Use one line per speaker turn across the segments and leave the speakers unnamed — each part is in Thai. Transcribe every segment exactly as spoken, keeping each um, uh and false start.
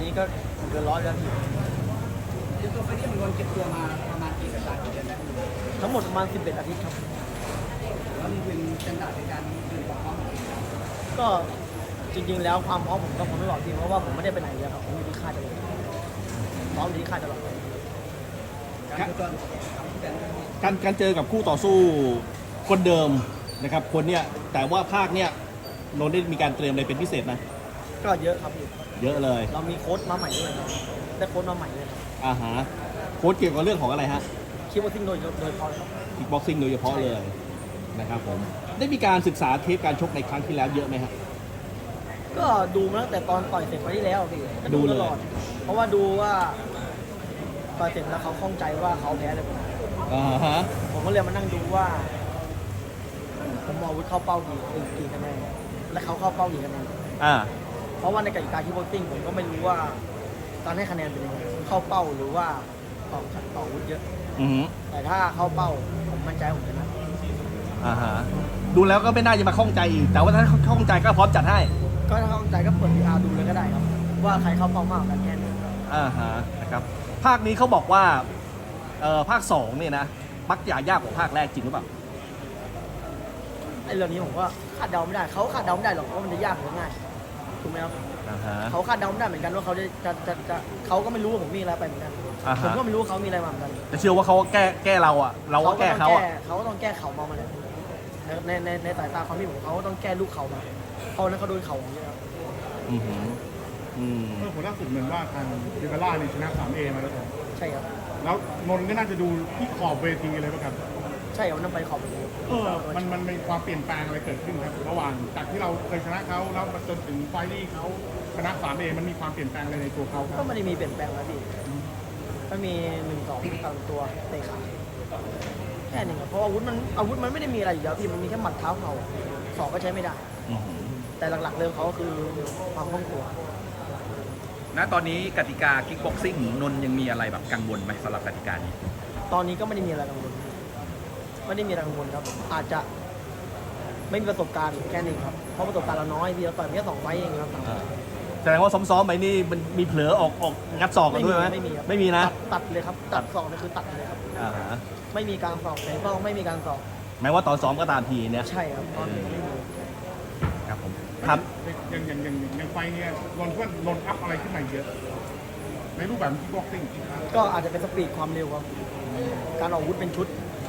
นี้ก็เกินร้อยแล้วพี่
ตัวไฟนี่มันโดนเก็บตัวมาประมาณกี่สัปดาห์กี่เดือนแล้ว
ทั้งหมดประมาณสิบเอ็ดอาทิตย์ครับ
แล้วมันเป็นสแตนดาร์ดในการยืนความพร้อม
ก็จริงๆแล้วความพร้อมผมก็พร้อมตลอดพี่เพราะว่าผมไม่ได้ไปไหนเลยครับผมอยู่ที่ค่ายตลอดพร้อมอยู่ที่ค่ายตลอด
การตัว
การการเจอกับคู่ต่อสู้คนเดิมนะครับคนเนี้ยแต่ว่าภาคเนี้ยนนท์ได้มีการเตรียมอะไรเป็นพิเศษไหม
ก็เยอะครับพี่
เยอะเลย
เรามีโค้ชมาใหม่ด้วยครับได้โค้ชมาใหม่เลยครับ
อ่าฮะโค้ชเกี่ยวกับเรื่องของอะไรฮะ
คิดว่าซิ่งโดยโดยเฉพาะครับ
คิกบ็อกซิ่งโดยเฉพาะเลยนะครับผมได้มีการศึกษาเทปการชกในครั้งที่แล้วเยอะไหมฮะ
ก็ดูมาตั้งแต่ตอนต่อยเสร็จไปที่แล้วพี่ก็ดูตลอดเพราะว่าดูว่าต่อยเสร็จแล้วเขาข้องใจว่าเขาแพ้เลยผม
อ่าฮะ
ผมก็เลยมานั่งดูว่าผมมองวุฒิเข้าเป้ากี่กี่คะแนนและเขาเข้าเป้ากี่คะแนน
อ่า
เพราะว่าในกติกาที่โบติ้งผมก็ไม่รู้ว่าการให้คะแนนเป็นยังไงเข้าเป้าหรือว่าต่อต่อวุฒิเยอะ
อือ
แต่ถ้าเข้าเป้าผมมั่นใจผมชนะ
อ่าฮะดูแล้วก็ไม่น่าจะมาข้องใจอีกแต่ว่าถ้าข้องใจก็พร้อมจัดให้
ก็ถ้าข้องใจก็เปิด พี อาร์ ดูเลยก็ได้ครับว่าใครเข้าเป้ามากกันแค่ไหน
อ่าฮะนะครับภาคนี้เขาบอกว่าเอ่อภาคสองเนี่ยนะมักจะยากกว่าภาคแรกจริงหรือเปล่า
ไอ้เรื่องนี้ผมว่าคาดเดาไม่ได้เขาคาดเดาไม่ได้หรอกว่ามันจะยากหรือง่ายถูกไหมครับเขาคาดเดาไม่ได้เหมือนกันว่าเขาจะจะจะจะเขาก็ไม่รู้ว่าผมมีอะไรไปเหมือนกันผมก็ไม่รู้ว่าเขามีอะไรมาเหมือนกัน
แต่เชื่อว่าเขาแก้แก้เราอ่ะเราก็แก้เขาอ่ะ
เขาก็ต้องแก้เขามามาเลยในในในสายตาความที่ผมเขาก็ต้องแก้ลูกเขามาเพราะนั้นเขาโดนเขาอย่างเงี้ยครับ
อืมอืม
เมื่อผลล่าสุดเหมือนว่าทางเดเวล่าในชนะ สาม เอ มาแล้วครับ
ใช่ครับ
แล้วนนท์ก็น่าจะดูที่ขอบเวทีเลยป่ะครับ
ใช่ครับนั่งไปขอบเวที
เออมันมันมีความเปลี่ยนแปลงอะไรเกิดขึ้นครับระหว่างจากที่เราเคยชนะเขาแล้วมาจนถึงไฟที่เขาชนะ สาม เอ มันมีความเปลี่ยนแปลงอะไรในตัวเขาครับ
ก็ไม่ได้มีเปลี่ยนแปลงนะพี่ก็มีหนึ่งสองตามตัวเตะขาแค่นี้ครับเพราะอาวุธมันอาวุธมันไม่ได้มีอะไรอยู่แล้วพี่มันมีแค่หมัดเท้าเข่าสองก็ใช้ไม่ได้แต่หลักๆเรื่องเขาก็คือความคล่องตัว
ณตอนนี้กติกาคิกบ็อกซิ่งนนยังมีอะไรแบบกังวลไหมสำหรับกติกานี้
ตอนนี้ก็ไม่ได้มีอะไรกังวลไม่ได้มีอะไรกังวลครับอาจจะไม่มีประสบการณ์แค่นี้ครับเพราะประสบการณ์เราน้อยพี่เราต่อยแค่สองไฟเองครับ
แสดงว่าซ้อมๆไปนี่มันมีเผลอออกออกงัดศอกกันด้วยไหม
ไม่มี
ไม่มีนะ
ตัดเลยครับตัดศอกนี่คือตัดเลยครับไม่มีการศอกแต่ก็ไม่มีการศอก
แม้ว่าตอนซ้อมก็ตามทีเนี่ย
ใช่ครับตอนนี้ไม่มี
ครับผมครับ
อย่างอย่างอย่างอย่างไฟเนี่ยนนท์ว่านนท์อัพอะไรขึ้นมาเยอะในรูปแบบคิกบ็อกซิ่ง
ก็อาจจะเป็นสปีดความเร็วครับการออกอาวุธเป็นชุด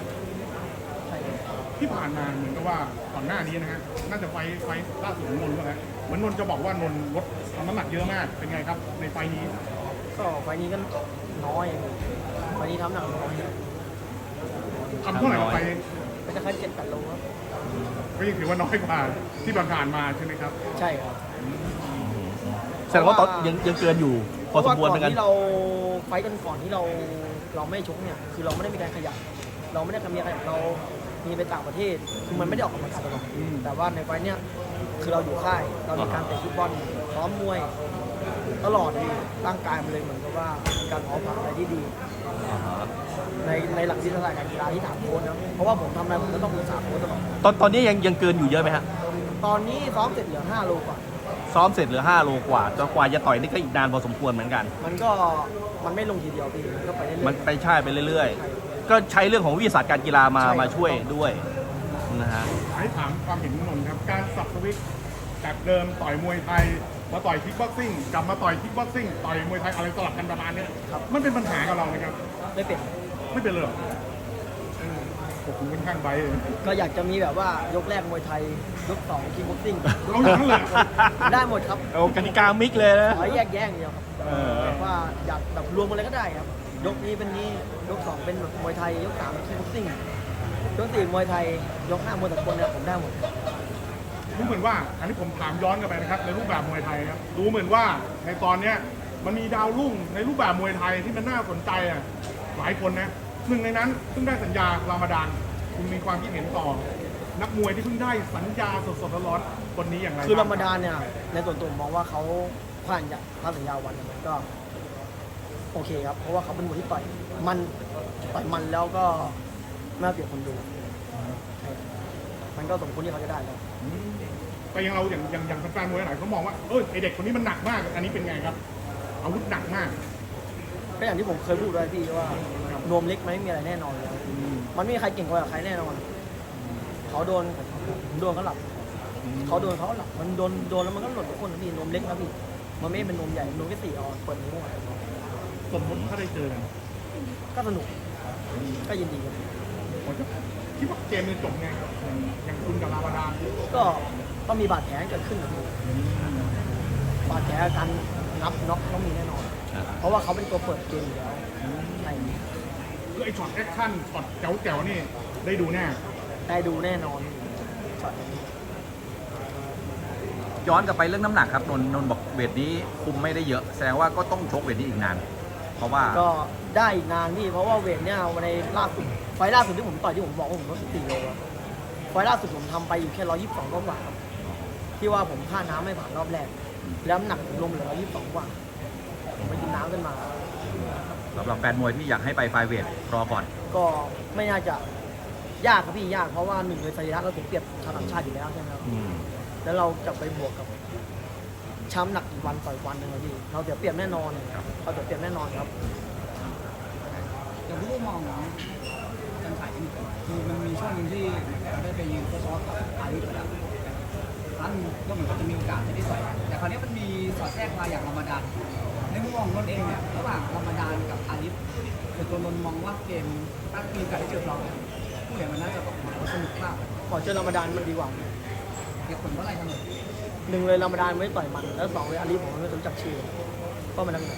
ที่ผ่านมาเหมือนกับว่าก่อนหน้านี้นะฮะน่าจะไฟไฟล่าสุดของนนท์ว่าไงเหมือนนนท์จะบอกว่านนท์ลดน้ำหนักเยอะมากเป็นไงครับในไฟนี้
ก็ไฟนี้ก็น้อยไฟนี้ทำหนักน้อย
ทำเท่าไหร่กับไฟ
ก็จะแค่เจ็ดแปดโลครับ
ก็ยังถือว่าน้อยกว่าที่ผ่านมาใช่ไหมครับ
ใช่ครับ
แสดงว่าตอนยังยังเกินอยู่พอสมควรเหมือนกัน
ที่เราไฟกันก่อนที่เราเราไม่ชกเนี่ยคือเราไม่ได้มีการขยับเราไม่ได้ทำมีอะไรเรามีไปต่างประเทศคือมันไม่ได้ออกกำลังกายตลอดแต่ว่าในไฟเนี้ยคือเราอยู่ค่ายเรามีการเตะฟุตบอลซ้อมมวยตลอดเลยร่างกายมันเลยเหมือนกับว่ามีการพร้อมอะไรที่ดีในในหลักวิทยาการกีฬาที่ถามโค้ชนะเพราะว่าผมทำอะไรผมก็ต้องปรึกษาโค้ชตลอด
ตอนตอนนี้ยังยังเกินอยู่เยอะไหมฮะ
ตอนนี้ซ้อมเสร็จเหลือห้าโลกว่า
ซ้อมเสร็จเหลือห้าโลกว่าจนกว่าจะต่อยนี่ก็อีกนานพอสมควรเหมือนกัน
มันก็มันไม่ลงทีเดียวพี่มันก็ไปเรื่อยๆ
มันไปใช่ไปเรื่อยๆก็ใช้เรื่องของวิทยาศาสตร์การกีฬามามาช่วยด้วยนะฮะ
ให้ถามความเห็นนนท์ครับการสับสวิตจากเดิมต่อยมวยไทยมาต่อยคิกบ็อกซิ่งกลับมาต่อยคิกบ็อกซิ่งต่อยมวยไทยอะไรสลับกันประมาณนี้มันเป็นปัญหากับเราไหมครับ
ไม่เป็น
ไม่เป็นเลยผมค่อนข้างไบ
ก็อยากจะมีแบบว่ายกแรกมวยไทยยกสองคิกบ็อกซิ่ง
เอาอย่างนั้นเลย
ได้หมดครับ
โอ้กติกามิกเลยนะ
ขอแยกแยกเดียวครับว่าอยากแบบรวมกันเลยก็ได้ครับยกนี้เป็นนี้ยกสองเป็นมวยไทยยกสามคิกบ็อกซิ่งยกสี่มวยไทยยกห้ามวยตะกนเนี่ยผมได้หมด
ดูเหมือนว่าอันนี้ผมถามย้อนกลับไปนะครับในรูปแบบมวยไทยครับดูเหมือนว่าในตอนเนี้ยมันมีดาวรุ่งในรูปแบบมวยไทยที่มันน่าสนใจอ่ะหลายคนนะหนึ่งในนั้นเพิ่งได้สัญญารามาดานคุณมีความคิดเห็นต่อนักมวยที่เพิ่งได้สัญญาสดๆร้อนๆคนนี้อย่างไร
คือรามาดานเนี่ยในส่วนตัวมองว่าเขาผ่านจากผ่านสัญญาวันมันก็โอเคครับเพราะว่าเขาเป็นมวยที่ต่อยมันต่อยมันแล้วก็น่าเปรียบคนดูมันก็สมควรที่เขาจะได้แล้ว
แต่ยังเราอย่างอย่างอย่างแฟนมวยหลายเขามองว่าเออไอเด็กคนนี้มันหนักมากอันนี้เป็นไงครับอาวุธหนักมาก
ก็อย่างที่ผมเคยพูดไว้พี่ว่านวมเล็กมันไม่มีอะไรแน่นอนเลยมันไม่มีใครเก่งกว่าใครแน่นอนเขาโดนผมโดนเขาหลับเขาโดนเขาหลับมันโดนโดนแล้วมันก็หล่นทุกคนนะพี่นวมเล็กนะพี่มันไม่เป็นนวมใหญ่นวมแค่สี่ออนเปิดนิ้วอะ
สมมติถ้าได้เจอกัน
ก็สนุกก็ยินดีกัน
ผมจะคิดว่าเกมมันจบไงอย่างอย่างคุณกับลาวาดาน
ก็ก็มีบาดแผลเกิดขึ้นนะพี่บาดแผลการนับน็อกต้องมีแน่นอน เพราะว่าเขาเป็นตัวเปิดเกมอยู่แล้วใน
คือไอ้ช็อตแอคชั่นช็อตแจ๋วๆนี่ได้ดูแน่
ได้ดูแน่นอนช็อตนี้
ย้อนกลับไปเรื่องน้ำหนักครับนนท์นนท์บอกเวทนี้คุมไม่ได้เยอะ แสดงว่าก็ต้องชกเวทนี้อีกนาน เพราะว่า
ก็ได้อีกนานพี่เพราะว่าเวทเนี่ยวันในล่าสุดไฟล์ล่าสุดที่ผมต่อยที่ผมบอกว่าผมลดสิบสี่โลอะไฟล์ล่าสุดผมทำไปอยู่แค่ร้อยยี่สิบสองกว่าครับที่ว่าผมค่าน้ำไม่ผ่านรอบแรกแล้วน้ำหนักผมลงเหลือร้อยยี่สิบสองกว่าผมไปกินน้ำขึ้นมา
สำหรับแฟนมวยที่อยากให้ไปไฟเวทรอก่อน
ก็ไม่น่าจะยากครับพี่ยากเพราะว่าหนึ่งเลยสรีระเราเสียเปรียบชาวต่างชาติอยู่แล้วใช่ไหมครับแล้วเราจะไปบวกกับช้ำหนักอีกวันต่อยวันหนึ่งครับพี่เราเสียเปรียบแน่นอนเราเสียเปรียบแน่นอนครับ
อย่างที่ได้มองนะการขายกันคือมันมีช่วงหนึงที่ได้ไปยืนทดสอบกับอาลิฟแล้วครั้งก็เหมือนกับจะมีโอกาสที่ได้ต่อยกันแต่คราวนี้มันมีสอดแทรกมาอย่างรามฎานในมุมมองนนท์เองเนี่ยระหว่างรามฎานกับอาลิฟคือตัวนนท์มองว่าเกมถ้ามีโอกาสได้เจอเราเนี่ยผู้เล่นมันน่าจะออกมาสนุกมาก
ขอเจอรามฎานมันดีกว่า
เหตุผลว่าอะไรทำไม
หนึ่งเลยรามฎานไม่ต่อยมันแล้วสองเลยอาลีผมไม่รู้จักชื่อก็มันนั่นแหละ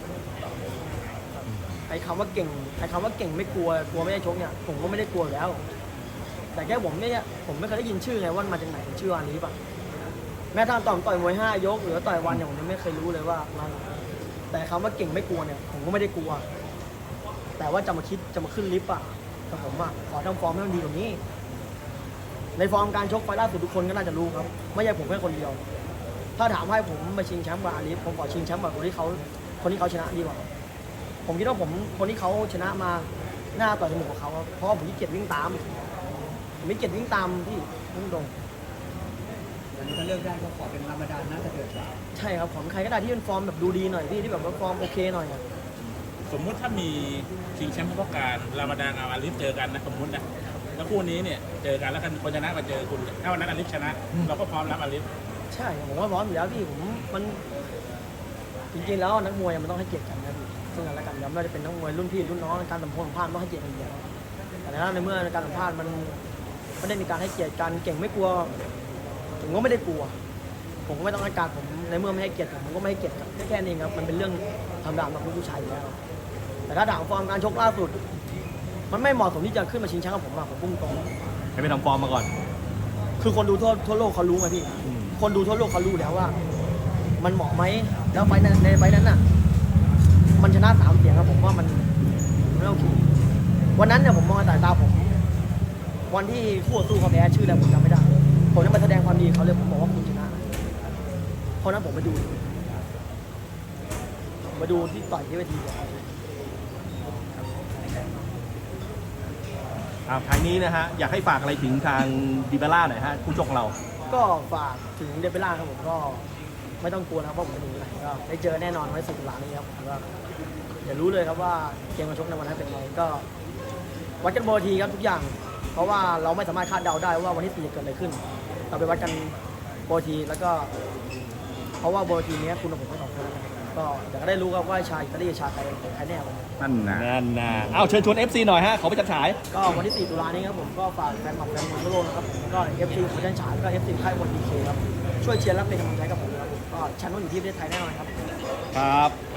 ไอ้คำว่าเก่งไอ้คำว่าเก่งไม่กลัวกลัวไม่ได้ชกเนี่ยผมก็ไม่ได้กลัวอยู่แล้ว แต่แค่ผมเนี่ยผมไม่เคยได้ยินชื่อไงว่ามันมาจากไหนชื่ออาลีป่ะแม้ทางต่อมต่อยมวยห้ายกหรือต่อยวันเนี่ยผมยังไม่เคยรู้เลยว่ามันแต่คำว่าเก่งไม่กลัวเนี่ยผมก็ไม่ได้กลัว แต่ว่าจะมาคิดจะมาขึ้นลิฟต์อ่ะแต่ผมอ่ะขอทำฟอร์มให้มันดีกว่านี้ ในฟอร์มการชกไฟล่าสุดทุกคนก็น่าจะรู้ครับไม่ใช่ผมแค่คนเดียว ถ้าถามให้ผมมาชิงแชมป์กับอาลีฟผมขอชิงแชมป์กับคนที่เขาคนที่เขาชนะดีกว่า ผมคิดว่าผมคนที่เขาชนะมาหน้าต่อยจมูกกับเขาครับเพราะว่าผมขี้เกียจวิ่งตามผมไม่เกียจวิ่งตามพี่พุ่งตรง
อย่างนี้ถ้าเลือกได้ก็ขอเป็นรามฎานน่าจะเดือดกว่า
ใช่ครับของใครก็ได้ที่เป็นฟอร์มแบบดูดีหน่อยพี่ที่แบบว่าฟอร์มโอเคหน่อยอะ
สมมุติถ้ามีชิงแชมป์เฉพาะการรามาดานเอาอาลิฟเจอกันนะสมมุตินะแล้วคู่นี้เนี่ยเจอกันแล้วกันคนชนะมาเจอคุณถ้าวันนั้นอาลิฟชนะ เราก็พร้อมรับอาลิฟ
ใช่ผมว่าพร้อมอยู่แล้วพี่ผมมันจริงๆแล้วนักมวยมันต้องให้เกียรติกันนะพี่ซึ่งกันและกันย้ำว่าจะเป็นนักมวยรุ่นพี่รุ่นน้องการสัมพันธ์ต้องให้เกียรติกันอยู่แล้วแต่ในเมื่อการสัมภาษณ์มันไม่ได้มีการให้เกียรติกันเก่งไม่กลัวผมก็ไม่ได้กลัว ผมก็ไม่ต้องให้การผมในเมื่อไม่ให้เกียรติผมผมก็ไม่ให้เกียรติครับแค่แค่นี้ครับมันเป็นเรื่องธรรมดาของผู้ชายอยู่แล้วแต่ถ้าถามฟอร์มการชกล่าสุด มันไม่เหมาะสมที่จะขึ้นมาชิงแชมป์กับผมอะผมพุ่งตรง
ให้ไปทำฟอร์มมาก่อน
คือคนดูทั่วทั่วโลกเขารู้ไงพี่ คนดูทั่วโลกเขารู้แล้วว่า มันเหมาะไหมแล้วไฟล์นั้นในไฟล์นั้นน่ะ มันชนะสามเสียงครับผมว่ามันมันไม่โอเควันนั้นเนี่ยผมมองในสายตาผม วันที่คู่ต่อสู้เขาแพ้ชื่ออะไรผมจำไม่ได้ ผมจะมาแสดงความดีเขาเลยผมบอกว่าคุณชนะเพราะนั้นผมมาดูผมมาดูที่ต่อยที่เวทีเลย
อ่าท้ายนี้นะฮะ อยากให้ฝากอะไรถึงทางดิเบล่าหน่อยฮะคู่ชกของเรา
ก็ฝากถึงเดบิล่าครับผมก็ไม่ต้องกลัวนะครับเพราะผมไม่หนีไปไหนก็ได้เจอแน่นอนไว้สิบตุลานี้ครับผมก็เดี๋ยวรู้เลยครับว่าเกมการชกในวันนั้นเป็นไงก็วัดกันโบนทีครับทุกอย่าง เพราะว่าเราไม่สามารถคาดเดาได้ว่าวันที่สี่จะเกิดอะไรขึ้น เราไปวัดกันโบนทีแล้วก็ เพราะว่าโบนทีนี้คุณกับผมไม่สองคนนะครับก็เดี๋ยวก็ได้รู้ครับว่าชายอิตาลีชาไทยใครแน่วันนี้
นั่นนะ
นั่นนะเอาเชิญชวน เอฟ ซี หน่อยฮะ เขาไปจัดฉาย
ก็วันที่สี่ตุลานี้ครับผมก็ฝากแฟนคลับแฟนมวยทั่วโลกนะครับผมแล้วก็ เอฟ ซี ของประเทศฉายแล้วก็ เอฟ ซี ค่ายมวยดีเคครับช่วยเชียร์และเป็นกำลังใจกับผมนะครับผมก็แชมป์ต้องอยู่ที่ประเทศไทยแน่นอนครับ
ครับ